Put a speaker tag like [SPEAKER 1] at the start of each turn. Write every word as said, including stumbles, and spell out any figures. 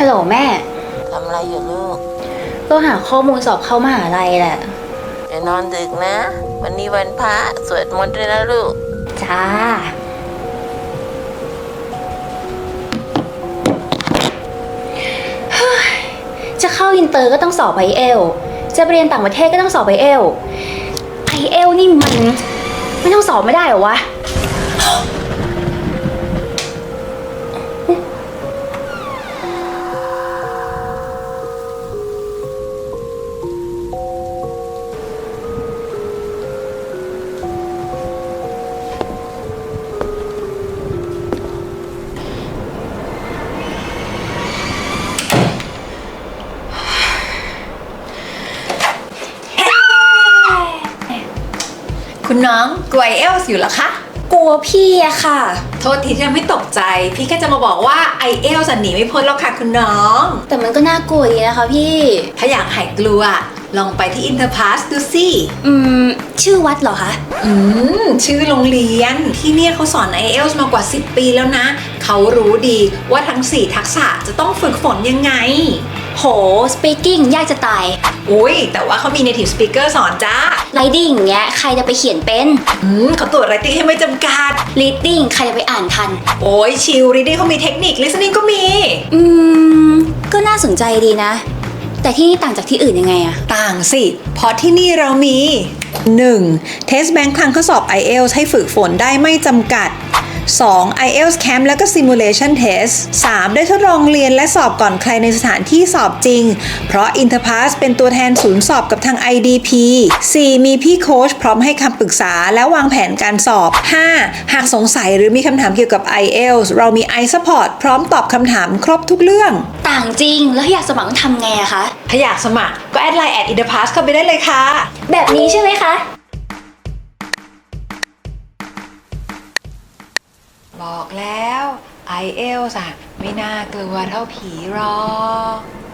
[SPEAKER 1] ลแม่
[SPEAKER 2] ทำอะไรอยู่ลูก
[SPEAKER 1] ก็หาข้อมูลสอบเข้ามหาลัยแหละ
[SPEAKER 2] อย่านอนดึกนะวันนี้วันพระสวดมนต์ด้วยนะลูก
[SPEAKER 1] จ้าจะเข้าอินเตอร์ก็ต้องสอบไอเอลจะไปเรียนต่างประเทศก็ต้องสอบไอเอลไอเอลนี่มันไม่ต้องสอบไม่ได้เหรอวะ
[SPEAKER 3] คุณน้องกลัวไอเอลส์อยู่เหรอคะ
[SPEAKER 1] กลัวพี่อะค่ะ
[SPEAKER 3] โทษทีที่ทำให้ตกใจพี่แค่จะมาบอกว่าไอเอลส์หนีไม่พ้นหรอกค่ะคุณน้อง
[SPEAKER 1] แต่มันก็น่ากลัวดีนะคะพี่
[SPEAKER 3] ถ้าอยากหายกลัวลองไปที่อินเตอร์พาสดูสิ
[SPEAKER 1] อืมชื่อวัดเหรอคะ
[SPEAKER 3] อืมชื่อโรงเรียนที่เนี่ยเขาสอน ไอเอลส์ มากว่าสิบปีแล้วนะเขารู้ดีว่าทั้งสี่ทักษะจะต้องฝึกฝนยังไง
[SPEAKER 1] โห speaking ยากจะตาย
[SPEAKER 3] อุ้ยแต่ว่าเขามี native speaker สอนจ้า
[SPEAKER 1] writing อย่างเงี้ยใครจะไปเขียนเป็น
[SPEAKER 3] อืมเขาตรวจ writing ให้ไม่จำกัด
[SPEAKER 1] reading ใครจะไปอ่านทัน
[SPEAKER 3] โอ้ยชิล reading เขามีเทคนิค listening ก็มี
[SPEAKER 1] อืมก็น่าสนใจดีนะแต่ที่นี่ต่างจากที่อื่นยังไงอะ
[SPEAKER 3] ต่างสิเพราะที่นี่เรามี หนึ่ง Test Bank ครั้งข้อสอบ ไอเอลส์ ให้ฝึกฝนได้ไม่จำกัด สอง ไอเอลส์ Camp แล้วก็ Simulation Test สาม ได้ทดลองเรียนและสอบก่อนใครในสถานที่สอบจริงเพราะ Interpass เป็นตัวแทนศูนย์สอบกับทาง ไอ ดี พี สี่ มีพี่โค้ชพร้อมให้คำปรึกษาและวางแผนการสอบ ห้า หากสงสัยหรือมีคำถามเกี่ยวกับ ไอเอลส์ เรามี iSupport พร้อมตอบคำถามครบทุกเรื่อง
[SPEAKER 1] ต่างจริงแล้วอยากสมัครต้องทำไงอะคะ
[SPEAKER 3] ถ้าอยากสมัครก็แอดไลน์ แอท Interpass เข้าไปได้เลยค่ะ
[SPEAKER 1] แบบนี้ใช่ไหมคะ
[SPEAKER 3] บอกแล้ว ไอเอลส์ อะไม่น่ากลัวเท่าผีหรอก